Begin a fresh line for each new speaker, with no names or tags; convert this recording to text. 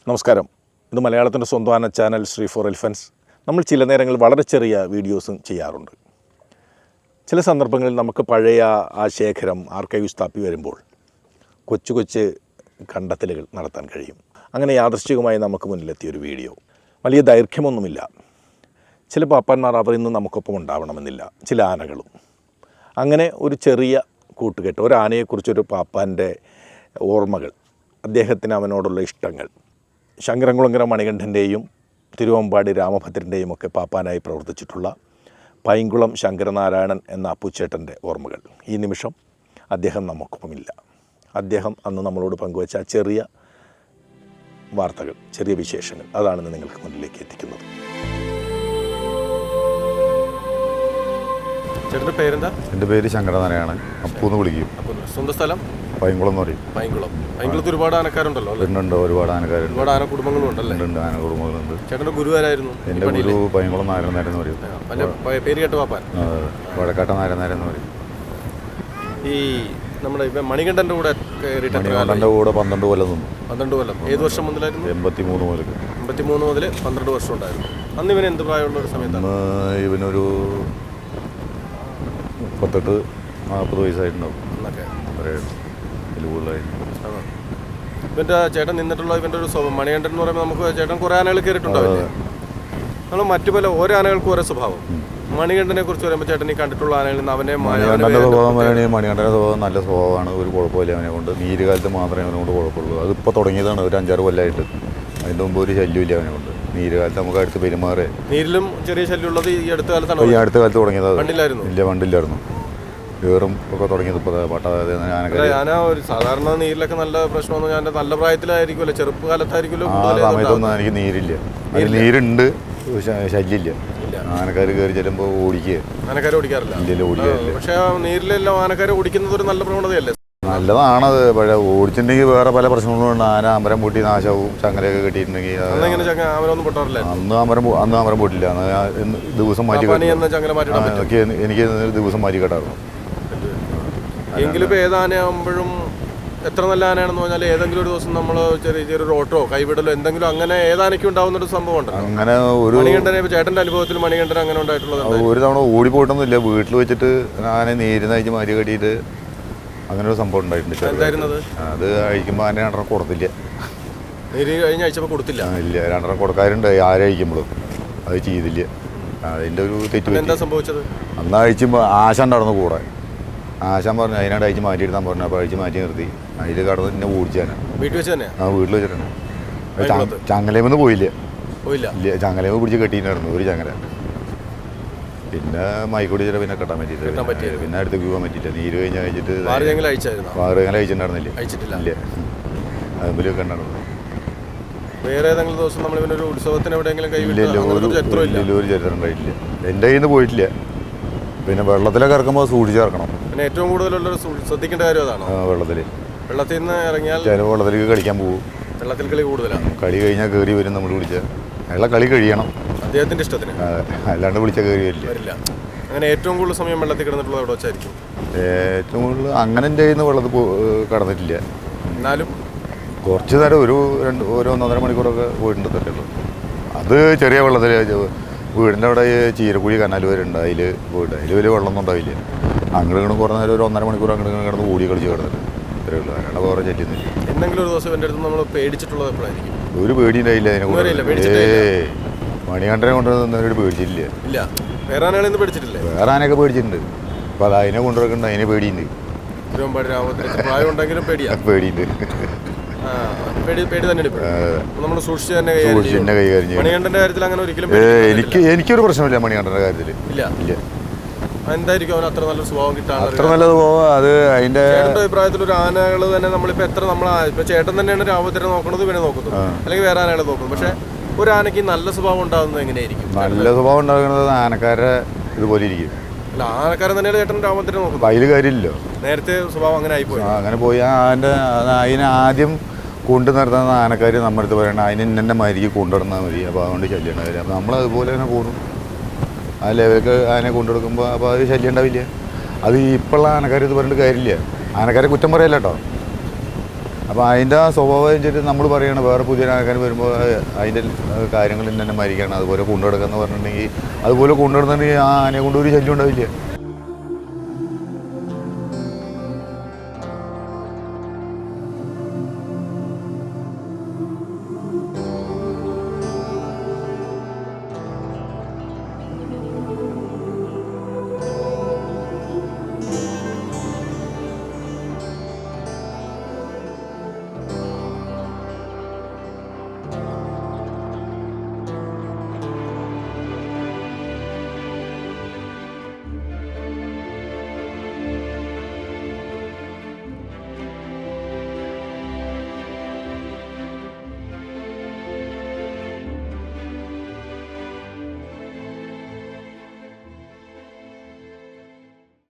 നമസ്കാരം. ഇത് മലയാളത്തിൻ്റെ സ്വന്തം ചാനൽ ശ്രീ ഫോർ എലിഫൻസ്. നമ്മൾ ചില നേരങ്ങളിൽ വളരെ ചെറിയ വീഡിയോസും ചെയ്യാറുണ്ട്. ചില സന്ദർഭങ്ങളിൽ നമുക്ക് പഴയ ആ ശേഖരം ആർക്കൈവ്സ് തപ്പി വരുമ്പോൾ കൊച്ചു കൊച്ചു കണ്ടെത്തലുകൾ നടത്താൻ കഴിയും. അങ്ങനെ യാദൃശ്ചികമായി നമുക്ക് മുന്നിലെത്തിയൊരു വീഡിയോ. വലിയ ദൈർഘ്യമൊന്നുമില്ല. ചില പാപ്പാന്മാർ അവർ ഇന്ന് നമുക്കൊപ്പം ഉണ്ടാവണമെന്നില്ല, ചില ആനകളും. അങ്ങനെ ഒരു ചെറിയ കൂട്ടുകെട്ട്, ഒരു ആനയെക്കുറിച്ചൊരു പാപ്പാൻ്റെ ഓർമ്മകൾ, അദ്ദേഹത്തിന് അവനോടുള്ള ഇഷ്ടങ്ങൾ. ശങ്കരംകുളങ്ങര മണികണ്ഠൻ്റെയും തിരുവമ്പാടി രാമഭദ്രൻ്റെയും ഒക്കെ പാപ്പാനായി പ്രവർത്തിച്ചിട്ടുള്ള പൈങ്കുളം ശങ്കരനാരായണൻ എന്ന അപ്പുച്ചേട്ടൻ്റെ ഓർമ്മകൾ. ഈ നിമിഷം അദ്ദേഹം നമുക്കൊപ്പമില്ല. അദ്ദേഹം അന്ന് നമ്മളോട് പങ്കുവച്ച ചെറിയ വാർത്തകൾ, ചെറിയ വിശേഷങ്ങൾ, അതാണ് നിങ്ങൾക്ക് മുന്നിലേക്ക് എത്തിക്കുന്നത്.
ചേട്ടൻ്റെ പേരെന്താ?
എൻ്റെ പേര് ശങ്കരനാരായണൻ. അപ്പൂന്ന് വിളിക്കും.
സ്വന്തം സ്ഥലം?
പൈങ്കുളം എന്ന് പറയും.
പൈങ്കുളത്ത് ഒരുപാട് ആനക്കാരുണ്ടല്ലോ?
ഉണ്ട്, ഒരുപാട് ആനക്കാരുണ്ട്.
ഒരുപാട് ആന കുടുംബങ്ങളും ഉണ്ടല്ലേ?
ഉണ്ട്, ആന കുടുംബങ്ങളുണ്ട്.
ചേട്ടൻ്റെ ഗുരുവാരായിരുന്നു?
എൻ്റെ ഗുരു പൈങ്കുളം നാരായണൻ എന്ന് പറയും.
പേര് കേട്ട പാപ്പാൻ?
വടക്കാട്ട നാരായണൻ എന്ന് പറയും.
ഈ നമ്മുടെ മണികണ്ഠൻ്റെ കൂടെ
മണികണ്ഠൻ്റെ കൂടെ 12 കൊല്ലം നിന്നു.
12 കൊല്ലം. ഏത് വർഷം മുതലായിരുന്നു?
83 മുതൽ.
83 മുതൽ 12 വർഷം ഉണ്ടായിരുന്നു. അന്ന് ഇവന് എന്ത് പ്രായമുള്ള ഒരു സമയത്താണ്?
ഇവനൊരു 38-40 വയസ്സായിട്ടുണ്ടാവും.
എന്നൊക്കെ
കൂടുതലായിരുന്നു.
ഇവൻ്റെ ചേട്ടൻ നിന്നിട്ടുള്ള ഇവൻ്റെ ഒരു മണികണ്ഠൻ എന്ന് പറയുമ്പോൾ നമുക്ക് ചേട്ടൻ കുറേ ആനകൾ കയറിയിട്ടുണ്ടാവില്ലേ? നമ്മൾ മറ്റു പല ഓരോ ആനകൾക്കും ഓരോ സ്വഭാവം. മണികണ്ഠനെ കുറിച്ച് പറയുമ്പോൾ ചേട്ടൻ ഈ കണ്ടിട്ടുള്ള ആനകളിൽ നിന്ന്
മണികണ്ഠൻ്റെ സ്വഭാവം പറയുകയാണെങ്കിൽ മണികണ്ഠൻ്റെ സ്വഭാവം നല്ല സ്വഭാവമാണ്. ഒരു കുഴപ്പമില്ല അവനെ കൊണ്ട്. നീരുകാലത്ത് മാത്രമേ അവനെ കൊണ്ട് കുഴപ്പമുള്ളൂ. അതിപ്പോൾ തുടങ്ങിയതാണ്, ഒരു 5-6 കൊല്ലമായിട്ട്. അതിൻ്റെ മുമ്പ് ഒരു ശല്യമില്ല അവനെ കൊണ്ട്. നീരുകാലത്ത് നമുക്ക് അടുത്ത് പെരുമാറേ.
നീരിലും ചെറിയ ശല്യം ഉള്ളത് ഈ അടുത്ത കാലത്താണ്.
ഈ അടുത്ത കാലത്ത് തുടങ്ങിയത്.
പണ്ടില്ലായിരുന്നു?
ഇല്ല, പണ്ടില്ലായിരുന്നു. വേറും ഒക്കെ തുടങ്ങിയത് ഇപ്പോൾ
ആന ഒരു സാധാരണ നീരിലൊക്കെ നല്ല പ്രശ്നമൊന്നും ഞാൻ നല്ല പ്രായത്തിലായിരിക്കുമല്ലോ, ചെറുപ്പകാലത്തായിരിക്കുമല്ലോ.
ആ സമയത്തൊന്നും എനിക്ക് നീരില്ല. നീരുണ്ട്, ശല്യമില്ല. ആനക്കാർ കയറി ചെല്ലുമ്പോൾ ഓടിക്കുക.
ആനക്കാരെ ഓടിക്കാറില്ല?
ഇല്ലല്ലോ, ഓടിക്കാറില്ല.
പക്ഷേ നീരിലെല്ലാം ആനക്കാരെ ഓടിക്കുന്നത് ഒരു നല്ല പ്രവണതയല്ലേ?
നല്ലതാണത്. പക്ഷേ ഓടിച്ചിട്ടുണ്ടെങ്കിൽ വേറെ പല പ്രശ്നങ്ങളുണ്ട്. ആന അമരം പൊട്ടി നാശവും ചങ്ങലയൊക്കെ കെട്ടിയിട്ടുണ്ടെങ്കിൽ.
അമരമൊന്നും പൊട്ടാറില്ല?
അന്ന് അമരം പൊട്ടില്ല. ദിവസം മാറ്റി എനിക്ക് ദിവസം മാറ്റി കേട്ടായിരുന്നു.
എങ്കിലും ഇപ്പോൾ ഏതാനയാകുമ്പോഴും എത്ര നല്ല ആനയാണെന്ന് പറഞ്ഞാൽ ഏതെങ്കിലും ഒരു ദിവസം നമ്മൾ ചെറിയൊരു ഓട്ടോ കൈവിടലോ എന്തെങ്കിലും അങ്ങനെ ഏതാനയ്ക്കും ഉണ്ടാവുന്നൊരു സംഭവം ഉണ്ട്.
അങ്ങനെ ഒരു
മണികണ്ഠനെ ചേട്ടൻ്റെ അനുഭവത്തിൽ മണികണ്ഠൻ അങ്ങനെ ഉണ്ടായിട്ടുള്ളത്?
ഒരു തവണ ഓടിപ്പോയിട്ടൊന്നുമില്ല. വീട്ടിൽ വെച്ചിട്ട് ആന നീര് നയിച്ച് മാറ്റി കെട്ടിയിട്ട് അങ്ങനെ ഒരു സംഭവം ഉണ്ടായിട്ടുണ്ട്.
എന്തായിരുന്നത്?
അത് അഴിക്കുമ്പോൾ ആന 2 കൊടുത്തില്ല.
നീര് കഴിഞ്ഞ് അഴിച്ചപ്പോൾ കൊടുത്തില്ല?
ഇല്ല, 2 കൊടുക്കാറുണ്ട്. ആരഴിക്കുമ്പോഴും അത് ചെയ്തില്ല. അതിൻ്റെ ഒരു തെറ്റ്.
എന്താ സംഭവിച്ചത്?
അന്ന് അഴിച്ചുമ്പോൾ ആശ ഉണ്ടായിരുന്നു കൂടെ. ആശാൻ പറഞ്ഞു അതിനായിട്ട് അഴിച്ച് മാറ്റിയെടുത്താൻ പറഞ്ഞു. അപ്പോൾ അഴിച്ച് മാറ്റി നിർത്തി. അതിൽ കടന്ന് എന്നെ ഓടിച്ചാണ്.
വീട്ടിൽ വെച്ച് തന്നെ?
ആ, വീട്ടിൽ വെച്ചിട്ടുണ്ട്. ചങ്ങലേമൊന്നും പോയില്ല. ഇല്ല, ചങ്ങലേമ പിടിച്ച് കെട്ടിയിട്ടുണ്ടായിരുന്നു ഒരു ചങ്ങല. പിന്നെ മൈക്കോടി ചില പിന്നെ കെട്ടാൻ പറ്റിയില്ല. പിന്നെ അടുത്തേക്ക് പോകാൻ പറ്റിയില്ല. നീര് കഴിഞ്ഞ് കഴിച്ചിട്ട്
6 ചങ്ങല
അഴിച്ചിട്ടുണ്ടായിരുന്നില്ല. ഇല്ല, അതുമ്പോഴൊക്കെ ഉണ്ടായിരുന്നു.
വേറെ ഏതെങ്കിലും ദിവസം നമ്മൾ ഇവനൊരു ഉത്സവത്തിന് എവിടെയെങ്കിലും
ഒരു ചരിത്രം ഉണ്ടായിട്ടില്ല. എൻ്റെ കയ്യിൽ നിന്ന് പോയിട്ടില്ല. പിന്നെ വെള്ളത്തിലൊക്കെ ഇറക്കുമ്പോൾ സൂക്ഷിച്ച് ഇറക്കണം.
പിന്നെ ഏറ്റവും കൂടുതലുള്ളൊരു ശ്രദ്ധിക്കേണ്ട കാര്യം അതാണ്. വെള്ളത്തിൽ നിന്ന് ഇറങ്ങിയാൽ
വെള്ളത്തിലേക്ക് കളിക്കാൻ പോകും.
വെള്ളത്തിൽ കളി കൂടുതലാണ്.
കളി കഴിഞ്ഞാൽ കയറി വരും. നമ്മൾ വിളിച്ചാൽ അയാളെ കളി കഴിയണം
അദ്ദേഹത്തിൻ്റെ ഇഷ്ടത്തിന്.
അല്ലാണ്ട് വിളിച്ചാൽ കയറി വരില്ല.
അങ്ങനെ ഏറ്റവും കൂടുതൽ സമയം വെള്ളത്തിൽ കിടന്നിട്ടുള്ളത് എവിടെ വെച്ചായിരിക്കും?
ഏറ്റവും കൂടുതൽ അങ്ങനെ എൻ്റെ കയ്യിൽ നിന്ന് വെള്ളത്തിൽ കടന്നിട്ടില്ല.
എന്നാലും
കുറച്ച് നേരം ഒരു 1-1.5 മണിക്കൂറൊക്കെ പോയിട്ടുണ്ട് തരുള്ളൂ. അത് ചെറിയ വെള്ളത്തിൽ വീടിൻ്റെ അവിടെ ചീരക്കുഴി കനാൽ വരെ ഉണ്ട്. അതിൽ പോയിട്ട് അതിൽ വലിയ വെള്ളമൊന്നും ഉണ്ടാവില്ല. അങ്ങോട്ട് കുറേ നേരം ഒരു 1.5 മണിക്കൂർ അങ്ങോട്ട് കിടന്ന് ഓടി കളിച്ച് കിടന്നിട്ട് ഇത്രയേ ഉള്ളൂ. അയാളെ വേറെ ചെല്ലുന്നില്ല.
എന്തെങ്കിലും ഒരു ദിവസം എൻ്റെ അടുത്ത് നമ്മൾ പേടിച്ചിട്ടുള്ളത് എപ്പോഴായിരിക്കും?
ഒരു പേടി ഉണ്ടായില്ല അതിനെ കൊണ്ട്. മണികണ്ഠനെ കൊണ്ടുവന്നവരോട് പേടിച്ചിട്ടില്ല.
ഇല്ല, വേറെ ആനകളൊന്നും പേടിച്ചിട്ടില്ല?
വേറെ ആനയൊക്കെ പേടിച്ചിട്ടുണ്ട്. അപ്പോൾ അത് അതിനെ കൊണ്ടുവരക്കുന്നുണ്ട്. അതിനെ പേടിയുണ്ട്.
തിരുവമ്പാടി രാമഭദ്രൻ പ്രായം ഉണ്ടെങ്കിലും പേടിയുണ്ട്. പേടി തന്നെ നമ്മൾ സൂക്ഷിച്ച് തന്നെ കൈകാര്യം ചെയ്യും. മണികണ്ഠന്റെ കാര്യത്തിൽ അങ്ങനെ ഒരിക്കലും
എനിക്കൊരു പ്രശ്നമില്ല. മണികണ്ഠന്റെ കാര്യത്തിൽ ഇല്ല.
എന്തായിരിക്കും അവൻ അത്ര നല്ല സ്വഭാവം കിട്ടാൻ?
അത്ര നല്ല സ്വഭാവം. അത് അതിന്റെ
അഭിപ്രായത്തിൽ ഒരു ആനകൾ തന്നെ നമ്മളിപ്പോ എത്ര ഇപ്പൊ ചേട്ടൻ തന്നെയാണ് രാമഭദ്രനെ നോക്കുന്നത്, ഇവനെ നോക്കുന്നത്, അല്ലെങ്കിൽ വേറെ ആനകളെ നോക്കുന്നത്. പക്ഷെ ഒരു ആനയ്ക്ക് നല്ല സ്വഭാവം ഉണ്ടാകുന്നത് എങ്ങനെയായിരിക്കും?
നല്ല സ്വഭാവം ഉണ്ടാകുന്നത് ആനക്കാരുടെ ഇതുപോലെ ഇരിക്കും.
അല്ല, ആനക്കാരൻ തന്നെയാണ് ചേട്ടൻ രാമഭദ്രനെ നോക്കുന്നത്.
അതിൽ കാര്യമില്ലല്ലോ.
നേരത്തെ സ്വഭാവം അങ്ങനെ ആയിപ്പോയി.
അങ്ങനെ പോയി അതിനെ ആദ്യം കൊണ്ടു നിർത്തുന്ന ആനക്കാർ നമ്മുടെ അടുത്ത് പറയണം അതിന് ഇന്നെ മാതിരിക്ക് കൊണ്ടുവന്നാൽ മതി. അപ്പോൾ അതുകൊണ്ട് ശല്യം ഉണ്ടാവില്ല. അപ്പോൾ നമ്മളതുപോലെ തന്നെ പോകും. ആ ലെവലൊക്കെ ആനയെ കൊണ്ടുകൊടുക്കുമ്പോൾ അപ്പോൾ അത് ശല്യം ഉണ്ടാവില്ല. അത് ഇപ്പോഴുള്ള ആനക്കാർ ഇത് പറഞ്ഞിട്ട് കാര്യമില്ല. ആനക്കാരെ കുറ്റം പറയല്ല കേട്ടോ. അപ്പോൾ അതിൻ്റെ ആ സ്വഭാവം വെച്ചിട്ട് നമ്മൾ പറയുകയാണ് വേറെ പുതിയ ആൾക്കാർ വരുമ്പോൾ അതിൻ്റെ കാര്യങ്ങളിൽ തന്നെ മരിക്കണം അതുപോലെ കൊണ്ടുനടക്കുക എന്ന് പറഞ്ഞിട്ടുണ്ടെങ്കിൽ അതുപോലെ കൊണ്ടുനടന്നിട്ടുണ്ടെങ്കിൽ ആ ആനയെ കൊണ്ട് ഒരു ശല്യം ഉണ്ടാവില്ല.